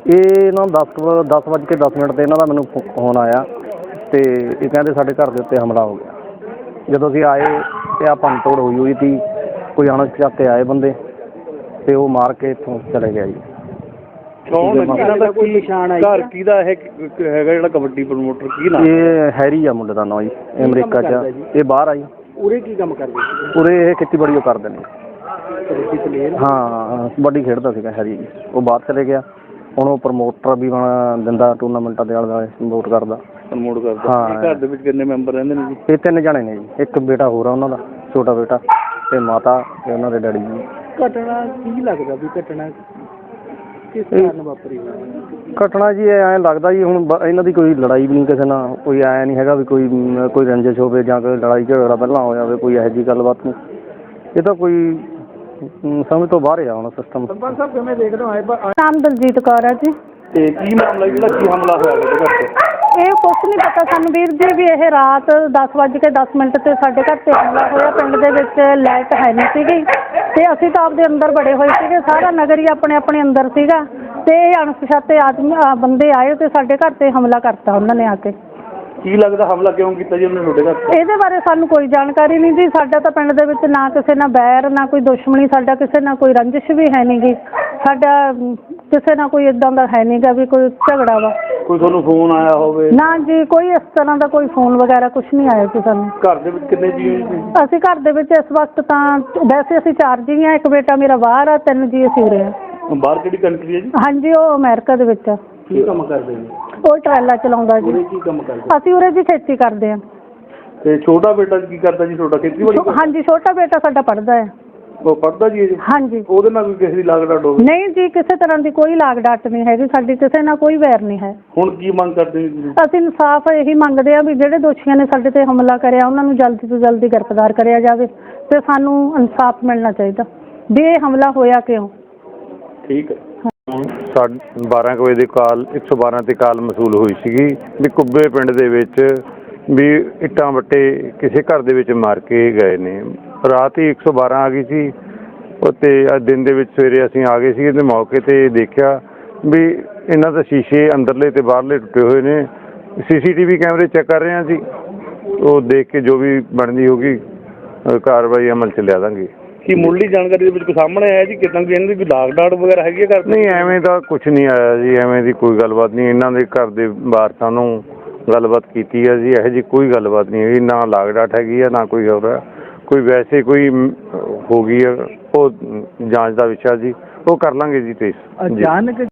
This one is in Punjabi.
ਇਹ ਨਾ 10:10 ਤੇ ਇਹਨਾਂ ਦਾ ਮੈਨੂੰ ਫੋਨ ਆਇਆ ਅਤੇ ਇਹ ਕਹਿੰਦੇ ਸਾਡੇ ਘਰ ਦੇ ਉੱਤੇ ਹਮਲਾ ਹੋ ਗਿਆ। ਜਦੋਂ ਅਸੀਂ ਆਏ ਅਤੇ ਆਹ ਭੰਨ ਤੋੜ ਹੋਈ ਸੀ। ਕੋਈ ਅਣਪਛਾਤੇ ਆਏ ਬੰਦੇ ਅਤੇ ਉਹ ਮਾਰ ਕੇ ਇੱਥੋਂ ਚਲੇ ਗਿਆ ਜੀ। ਕੌਣ ਇਹਨਾਂ ਦਾ ਕੋਈ ਨਿਸ਼ਾਨ ਹੈ? ਘਰ ਕਿਹਦਾ ਇਹ ਹੈਗਾ ਜਿਹੜਾ ਕਬੱਡੀ ਪ੍ਰਮੋਟਰ? ਕੀ ਨਾਮ? ਇਹ ਹੈਰੀ ਆ ਮੁੰਡੇ ਦਾ ਨਾਂ ਜੀ। ਇਹ ਅਮਰੀਕਾ 'ਚ ਆ, ਇਹ ਬਾਹਰ ਆ ਜੀ। ਉਰੇ ਕੀ ਕੰਮ ਕਰਦੇ ਸੀ? ਉਰੇ ਇਹ ਖੇਤੀਬਾੜੀ ਉਹ ਕਰਦੇ ਨੇ। ਕਬੱਡੀ ਪਲੇਅਰ? ਹਾਂ, ਕਬੱਡੀ ਖੇਡਦਾ ਸੀਗਾ ਹੈਰੀ ਜੀ। ਉਹ ਬਾਹਰ ਚਲੇ ਗਿਆ। ਹੁਣ ਉਹ ਪ੍ਰਮੋਟਰ ਵੀ ਦਿੰਦਾ ਟੂਰਨਾਮੈਂਟਾਂ ਦੇ ਆਲੇ ਦੁਆਲੇ ਪ੍ਰਮੋਟ ਕਰਦਾ। ਹਾਂ। ਘਰ ਦੇ ਵਿੱਚ ਕਿੰਨੇ ਮੈਂਬਰ ਰਹਿੰਦੇ ਨੇ ਜੀ? ਇਹ 3 ਜਣੇ ਨੇ ਜੀ। ਇੱਕ ਬੇਟਾ ਹੋਰ ਆ ਉਹਨਾਂ ਦਾ, ਛੋਟਾ ਬੇਟਾ, ਅਤੇ ਮਾਤਾ ਅਤੇ ਉਹਨਾਂ ਦੇ ਡੈਡੀ ਜੀ। ਘਟਨਾ ਕੀ ਲੱਗਦਾ ਵੀ ਘਟਨਾ ਕਿਸ ਕਾਰਨ ਵਾਪਰੀ ਹੋਈ? ਘਟਨਾ ਜੀ ਐਂ ਲੱਗਦਾ ਜੀ ਹੁਣ ਇਹਨਾਂ ਦੀ ਕੋਈ ਲੜਾਈ ਵੀ ਨਹੀਂ ਕਿਸੇ ਨਾਲ, ਕੋਈ ਐਂ ਨਹੀਂ ਹੈਗਾ ਵੀ ਕੋਈ ਰੰਜਿਸ਼ ਹੋਵੇ ਜਾਂ ਕੋਈ ਲੜਾਈ ਝਗੜਾ ਪਹਿਲਾਂ ਹੋਇਆ ਹੋਵੇ, ਕੋਈ ਇਹੋ ਜਿਹੀ ਗੱਲਬਾਤ ਨਹੀਂ। ਇਹ ਤਾਂ ਕੋਈ ਸਮਝ ਤੋਂ ਬਾਹਰ ਆ ਹੁਣ ਸਿਸਟਮ। ਸਰਪੰਚ ਸਾਹਿਬ ਕਿਵੇਂ ਦੇਖਦੇ ਹੋ? ਨਾਮ ਦਲਜੀਤ ਕੌਰ ਹੈ ਜੀ। ਤੇ ਕੀ ਮਾਮਲਾ ਜਿਹੜਾ ਕੀ ਹਮਲਾ ਹੋਇਆ ਉਹਦੇ ਘਰ 'ਤੇ? ਇਹ ਕੁਛ ਨਹੀਂ ਪਤਾ ਸਾਨੂੰ ਵੀਰ ਜੀ ਵੀ ਇਹ ਰਾਤ 10:10 ਤੇ ਸਾਡੇ ਘਰ 'ਤੇ ਹਮਲਾ ਹੋਇਆ। ਪਿੰਡ ਦੇ ਵਿੱਚ ਲਾਈਟ ਹੈ ਨਹੀਂ ਸੀਗੀ ਅਤੇ ਅਸੀਂ ਤਾਂ ਆਪਦੇ ਅੰਦਰ ਬੜੇ ਹੋਏ ਸੀਗੇ। ਸਾਰਾ ਨਗਰ ਹੀ ਆਪਣੇ ਆਪਣੇ ਅੰਦਰ ਸੀਗਾ ਅਤੇ ਇਹ ਅਣਪਛਾਤੇ ਬੰਦੇ ਆਏ ਅਤੇ ਸਾਡੇ ਘਰ 'ਤੇ ਹਮਲਾ ਕਰਤਾ ਉਹਨਾਂ ਨੇ ਆ ਕੇ। ਕੀ ਲੱਗਦਾ ਹਮਲਾ ਕਿਉਂ ਕੀਤਾ ਜੀ ਉਹਨੇ ਤੁਹਾਡੇ ਘਰ 'ਤੇ? ਇਹਦੇ ਬਾਰੇ ਸਾਨੂੰ ਕੋਈ ਜਾਣਕਾਰੀ ਨਹੀਂ ਜੀ। ਸਾਡਾ ਤਾਂ ਪਿੰਡ ਦੇ ਵਿੱਚ ਨਾ ਕਿਸੇ ਨਾਲ ਬੈਰ, ਨਾ ਕੋਈ ਦੁਸ਼ਮਣੀ, ਸਾਡਾ ਕਿਸੇ ਨਾਲ ਕੋਈ ਰੰਜਿਸ਼ ਵੀ ਹੈ ਨਹੀਂ ਗੀ। ਸਾਡਾ ਕਿਸੇ ਨਾਲ ਕੋਈ ਇੱਦਾਂ ਦਾ ਹੈ ਨਹੀਂ ਗਾ ਵੀ ਕੋਈ ਝਗੜਾ ਵਾ। ਕੋਈ ਤੁਹਾਨੂੰ ਫੋਨ ਆਇਆ ਹੋਵੇ? ਨਾ ਜੀ, ਕੋਈ ਇਸ ਤਰ੍ਹਾਂ ਦਾ ਕੋਈ ਫੋਨ ਵਗੈਰਾ ਕੁਛ ਨਹੀਂ ਆਇਆ ਸੀ ਸਾਨੂੰ। ਘਰ ਦੇ ਵਿੱਚ ਕਿੰਨੇ ਜੀ ਹੋ? ਅਸੀਂ ਘਰ ਦੇ ਵਿੱਚ ਇਸ ਵਕਤ ਤਾਂ ਵੈਸੇ ਅਸੀਂ 4 ਜੀ ਹਾਂ। ਇੱਕ ਬੇਟਾ ਮੇਰਾ ਬਾਹਰ ਆ, 3 ਜੀ ਅਸੀਂ ਉਰੇ ਆ। ਬਾਹਰ ਕਿਹੜੀ ਕੰਟਰੀ ਹੈ ਜੀ? ਹਾਂਜੀ, ਉਹ ਅਮਰੀਕਾ ਦੇ ਵਿੱਚ ਆ। ਕੀ ਕੰਮ ਕਰਦੇ ਨੇ? ਉਹ ਟਰੈਲਾ ਚਲਾਉਂਦਾ ਜੀ। ਉਰੇ ਕੀ ਕੰਮ ਕਰਦੇ? ਅਸੀਂ ਉਰੇ ਜੀ ਖੇਤੀ ਕਰਦੇ ਹਾਂ। ਤੇ ਛੋਟਾ ਬੇਟਾ ਕੀ ਕਰਦਾ ਜੀ ਤੁਹਾਡਾ? ਖੇਤੀਬਾੜੀ? ਹਾਂਜੀ, ਛੋਟਾ ਬੇਟਾ ਸਾਡਾ ਪੜ੍ਹਦਾ ਹੈ। ਉਹ ਪੜ੍ਹਦਾ ਜੀ? ਹਾਂਜੀ। ਉਹਦੇ ਨਾਲ ਕੋਈ ਕਿਸੇ ਦੀ ਲਾਗ ਡਾਟ ਹੋਵੇ? ਨਹੀਂ ਜੀ, ਕਿਸੇ ਤਰ੍ਹਾਂ ਦੀ ਕੋਈ ਲਾਗ ਡਾਟ ਨਹੀਂ ਹੈਗੀ ਸਾਡੀ, ਕਿਸੇ ਨਾਲ ਕੋਈ ਵੈਰ ਨਹੀਂ ਹੈ। ਹੁਣ ਕੀ ਮੰਗ ਕਰਦੇ ਨੇ ਜੀ? ਅਸੀਂ ਇਨਸਾਫ ਇਹੀ ਮੰਗਦੇ ਹਾਂ ਵੀ ਜਿਹੜੇ ਦੋਸ਼ੀਆਂ ਨੇ ਸਾਡੇ ਤੇ ਹਮਲਾ ਕਰਿਆ ਉਹਨਾਂ ਨੂੰ ਜਲਦੀ ਤੋਂ ਜਲਦੀ ਗ੍ਰਿਫਤਾਰ ਕਰਿਆ ਜਾਵੇ ਅਤੇ ਸਾਨੂੰ ਇਨਸਾਫ ਮਿਲਣਾ ਚਾਹੀਦਾ ਵੀ ਇਹ ਹਮਲਾ ਹੋਇਆ ਕਿਉਂ। ਠੀਕ ਹੈ। 12 ਵਜੇ ਦੀ ਕਾਲ 112 ਤੇ ਕਾਲ ਮਸੂਲ ਹੋਈ ਸੀਗੀ ਵੀ ਕੁੱਬੇ ਪਿੰਡ ਦੇ ਵਿੱਚ ਵੀ ਇੱਟਾਂ ਵੱਟੇ ਕਿਸੇ ਘਰ ਦੇ ਵਿੱਚ ਮਾਰ ਕੇ ਗਏ ਨੇ। ਰਾਤ ਹੀ 112 ਆ ਗਈ ਸੀ ਅਤੇ ਅੱਜ ਦਿਨ ਦੇ ਵਿੱਚ ਸਵੇਰੇ ਅਸੀਂ ਆ ਗਏ ਸੀ ਅਤੇ ਮੌਕੇ 'ਤੇ ਦੇਖਿਆ ਵੀ ਇਹਨਾਂ ਦਾ ਸ਼ੀਸ਼ੇ ਅੰਦਰਲੇ ਅਤੇ ਬਾਹਰਲੇ ਟੁੱਟੇ ਹੋਏ ਨੇ। CCTV ਕੈਮਰੇ ਚੈੱਕ ਕਰ ਰਹੇ ਹਾਂ ਜੀ। ਉਹ ਦੇਖ ਕੇ ਜੋ ਵੀ ਬਣਦੀ ਹੋਊਗੀ ਕਾਰਵਾਈ ਅਮਲ 'ਚ ਲਿਆ ਦਾਂਗੇ। ਕੀ ਮੁੱਢਲੀ ਜਾਣਕਾਰੀ ਦੇ ਵਿੱਚ ਕੋਈ ਸਾਹਮਣੇ ਆਇਆ ਜੀ ਕਿੱਦਾਂ ਕਿ ਇਹਨਾਂ ਦੀ ਕੋਈ ਲਾਗ ਡਾਟ ਵਗੈਰਾ ਹੈਗੀ ਹੈ ਘਰ? ਨਹੀਂ, ਐਵੇਂ ਦਾ ਕੁਛ ਨਹੀਂ ਆਇਆ ਜੀ। ਐਵੇਂ ਦੀ ਕੋਈ ਗੱਲਬਾਤ ਨਹੀਂ। ਇਹਨਾਂ ਦੇ ਘਰ ਦੇ ਵਾਰਸਾਂ ਨੂੰ ਗੱਲਬਾਤ ਕੀਤੀ ਹੈ ਜੀ। ਇਹੋ ਜਿਹੀ ਕੋਈ ਗੱਲਬਾਤ ਨਹੀਂ ਹੈਗੀ। ਨਾ ਲਾਗ ਡਾਟ ਹੈਗੀ ਆ, ਨਾ ਕੋਈ ਹੋਰ ਹੈ। ਕੋਈ ਵੈਸੇ ਕੋਈ ਹੋ ਗਈ ਹੈ, ਉਹ ਜਾਂਚ ਦਾ ਵਿਸ਼ਾ ਜੀ। ਉਹ ਕਰ ਲਾਂਗੇ ਜੀ। ਤੇ ਅਚਾਨਕ